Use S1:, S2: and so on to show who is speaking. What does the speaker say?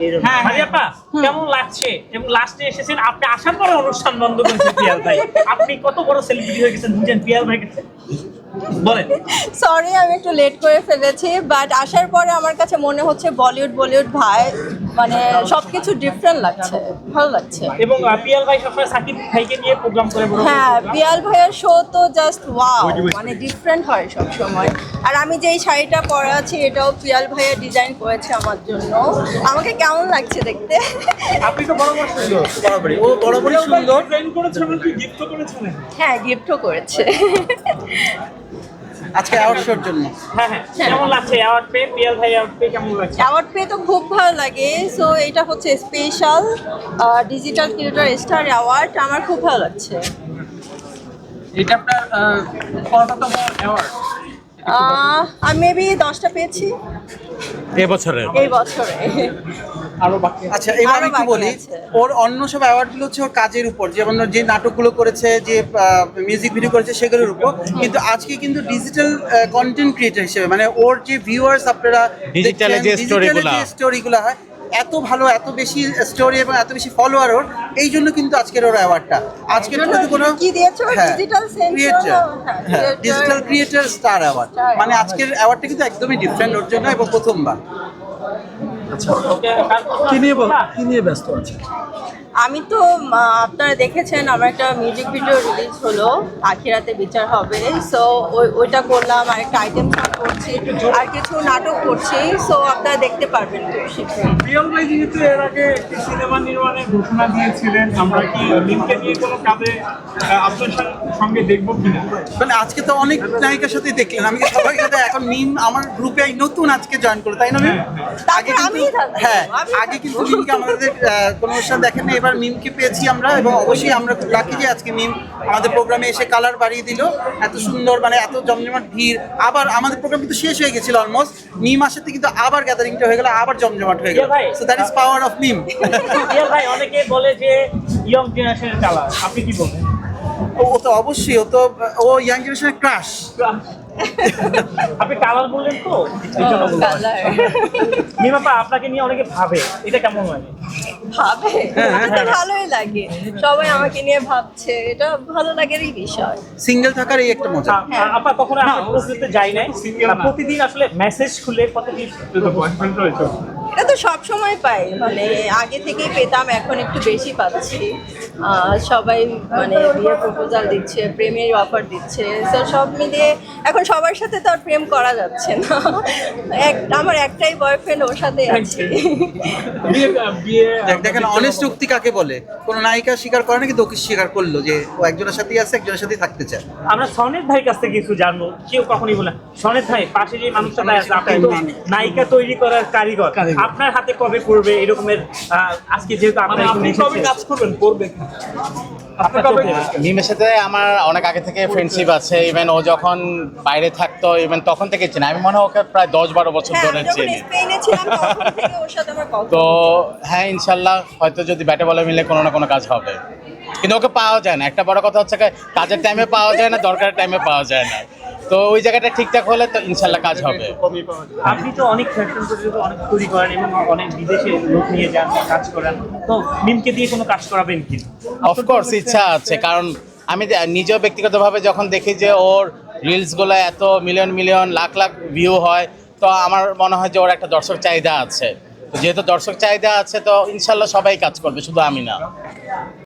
S1: হ্যাঁ আপা কেমন লাগছে এবং লাস্টে এসেছেন আপনি আসার পরে অনুষ্ঠান বন্ধ করেছেন পিয়াল ভাই আপনি কত বড় সেলিব্রিটি হয়ে গেছেন বুঝেন পিয়াল ভাই কাছে বলেন
S2: সরি আমি একটু লেট করে ফেলেছি বাট আসার পরে আমার কাছে মনে হচ্ছে বলিউড ভাই মানে সবকিছু ডিফারেন্ট লাগছে, ভালো লাগছে।
S1: এবং পিয়াল ভাই সবসময় সাকিব ভাইকে নিয়ে প্রোগ্রাম করে বড়
S2: হ্যাঁ পিয়াল ভাইয়ের শো তো জাস্ট ওয়াও, মানে ডিফারেন্ট হয় সব সময়। আর আমি যেই শাড়িটা পরা আছি এটাও পিয়াল ভাইয়ের ডিজাইন করেছে আমার জন্য। আমাকে কেমন লাগছে দেখতে?
S1: আপনি তো বড় সুন্দর
S3: বরাবরই ও বরাবরই সুন্দর।
S1: ট্রেন করেছেন কি গিফট করেছেন?
S2: হ্যাঁ গিফটও করেছে।
S3: আজকে অ্যাওয়ার্ড শোর জন্য
S1: হ্যাঁ কেমন লাগছে অ্যাওয়ার্ড পেয়ে পিয়াল ভাই অ্যাওয়ার্ড পেয়ে কেমন লাগছে?
S2: অ্যাওয়ার্ড পেয়ে তো খুব ভালো লাগে। সো এটা হচ্ছে special digital creator star award, আমার খুব ভালো লাগছে।
S1: এটা আপনার কততম অ্যাওয়ার্ড?
S2: আমি মেবি 10টা পেয়েছি এই বছরে।
S1: আরো বাকি
S3: আচ্ছা এবার
S2: আরো
S3: একটু
S2: বাকি
S3: বলি
S2: আছে।
S3: ওর অন্য সব অ্যাওয়ার্ডগুলো হচ্ছে ওর কাজের উপর, যেমন ওর যে নাটকগুলো করেছে, যে মিউজিক ভিডিও করেছে সেগুলোর উপর, কিন্তু আজকে কিন্তু ডিজিটাল কন্টেন্ট ক্রিয়েটর হিসেবে মানে ওর যে ভিউয়ার্স আপনারা
S4: ডিজিটালে যে
S3: স্টোরিগুলো হয় এত ভালো, এত বেশি স্টোরি এবং এত বেশি ফলোয়ার ওর, এই জন্য কিন্তু আজকের ওর অ্যাওয়ার্ডটা। আজকের তো কোনো
S2: কি দিয়েছো? ডিজিটাল
S3: ক্রিয়েটর, হ্যাঁ ডিজিটাল ক্রিয়েটর স্টার অ্যাওয়ার্ড, মানে আজকের অ্যাওয়ার্ডটা কিন্তু একদমই ডিফারেন্ট ওর জন্য এবং প্রথমবার।
S1: কি নিয়ে ব্যস্ত আছে?
S2: আমি তো আপনারা দেখেছেন আমার একটা মিউজিক ভিডিও রিলিজ হলো, আখিরাতে বিচার হবে। সো ওইটা করলাম, আর একটা আইটেম সং করছি, আর কিছু নাটক করছি। সো আপনারা দেখতে পারবেন খুব শীঘ্রই।
S1: পিয়াল ভাই যেহেতু এর আগে একটি সিনেমা নির্মাণের ঘোষণা দিয়েছিলেন, আমরা কি মিমকে নিয়ে কোনো কাজে আপনার সঙ্গে দেখবো কিনা?
S3: মানে আজকে তো অনেক নায়িকার সাথে দেখলেন, আমি সবাই সাথে এখন মিম আমার গ্রুপে নতুন আজকে জয়েন করলো, তাই না মিম? আগে হ্যাঁ আগে কিন্তু মিমকে আমাদের কোনো অনুষ্ঠান দেখেন না, এবার মিমকে পেয়েছি আমরা, এবং অবশ্যই আমরা খুব লাকি যে আজকে মিম আমাদের প্রোগ্রামে এসে কালার বাড়িয়ে দিল। এত সুন্দর, মানে এত জমজমাট ভিড়। আবার আমাদের প্রোগ্রাম কিন্তু শেষ হয়ে গেছিল অলমোস্ট, মিম আসাতে কিন্তু আবার গ্যাদারিংটা হয়ে গেল, আবার জমজমাট হয়ে গেল। So that is power of meme.
S1: Piyal ভাই অনেকে বলে যে ইয়ং জেনারেশনের কালার, আপনি কি বলেন?
S3: ও তো অবশ্যই, ও ইয়াং জেনারেশনের ক্রাশ।
S1: আপনি কালার বললেন তো মিমাপা আপনাকে নিয়ে অনেকে ভাবে, এটা কেমন লাগে?
S2: ভাবে এটা তো ভালোই লাগে, সবাই আমাকে নিয়ে ভাবছে, এটা ভালো লাগারই বিষয়।
S3: সিঙ্গেল থাকার এই একটা মজা।
S1: আপা কখনো আপনার প্রস্তুতিতে যাই নাই, প্রতিদিন আসলে মেসেজ খুলে কতদিন বয়ফ্রেন্ড রয়েছে?
S2: এটা তো সব সময় পাই, মানে আগে থেকেই পেতাম, এখন একটু বেশি পাচ্ছি। সবাই মানে বিয়ের প্রপোজাল দিচ্ছে, প্রেমের অফার দিচ্ছে। তো সব মিলিয়ে এখন সবার সাথে তো আর প্রেম করা যাচ্ছে না। আমার একটাই বয়ফ্রেন্ড, ওর সাথে আছি।
S3: দেখেন অনেস্ট উক্তি কাকে বলে, কোন নায়িকা স্বীকার করে না, কিন্তু ওকে স্বীকার করলো যে ও একজনের সাথেই আছে, একজনের সাথেই থাকতে চায়।
S1: আমরা সনেট ভাইয়ের কাছ থেকে কিছু জানবো, কেউ কখনই বলে সনেট ভাই পাশে যে মানুষটা আছে, আপনি তো নায়িকা তৈরি করার কারিগর, আপনার হাতে কবে করবে এরকমের? আজকে যেহেতু আপনি কবে কাজ করবেন, করবে
S4: মিমের সাথে আমার অনেক আগে থেকে ফ্রেন্ডশিপ আছে। ইভেন ও যখন বাইরে থাকতো, ইভেন তখন থেকে চিনি, আমি মনে হয় ওকে প্রায় 10-12 বছর ধরে চিনি। তো হ্যাঁ ইনশাল্লাহ হয়তো যদি ব্যাটে বলে মিলে কোনো না কোনো কাজ হবে, কিন্তু ওকে পাওয়া যায় না। একটা বড় কথা হচ্ছে কাজের টাইমে পাওয়া যায় না, দরকারের টাইমে পাওয়া যায় না। তো ওই জায়গাটা ঠিকঠাক হলে তো ইনশাল্লাহ কাজ হবে।
S1: আপনি তো অনেক ফ্যাশন অনেক তৈরি করেন এবং অনেক বিদেশে লোক নিয়ে যান, কাজ করেন, তো মিমকে দিয়ে কোনো কাজ করাবেন কি?
S4: অফকোর্স ইচ্ছা আছে, কারণ আমি নিজেও ব্যক্তিগতভাবে যখন দেখি যে ওর রিলসগুলো এত মিলিয়ন লাখ ভিউ হয়, তো আমার মনে হয় যে ওর একটা দর্শক চাহিদা আছে। যেহেতু দর্শক চাহিদা আছে, তো ইনশাল্লাহ সবাই কাজ করবে, শুধু আমি না।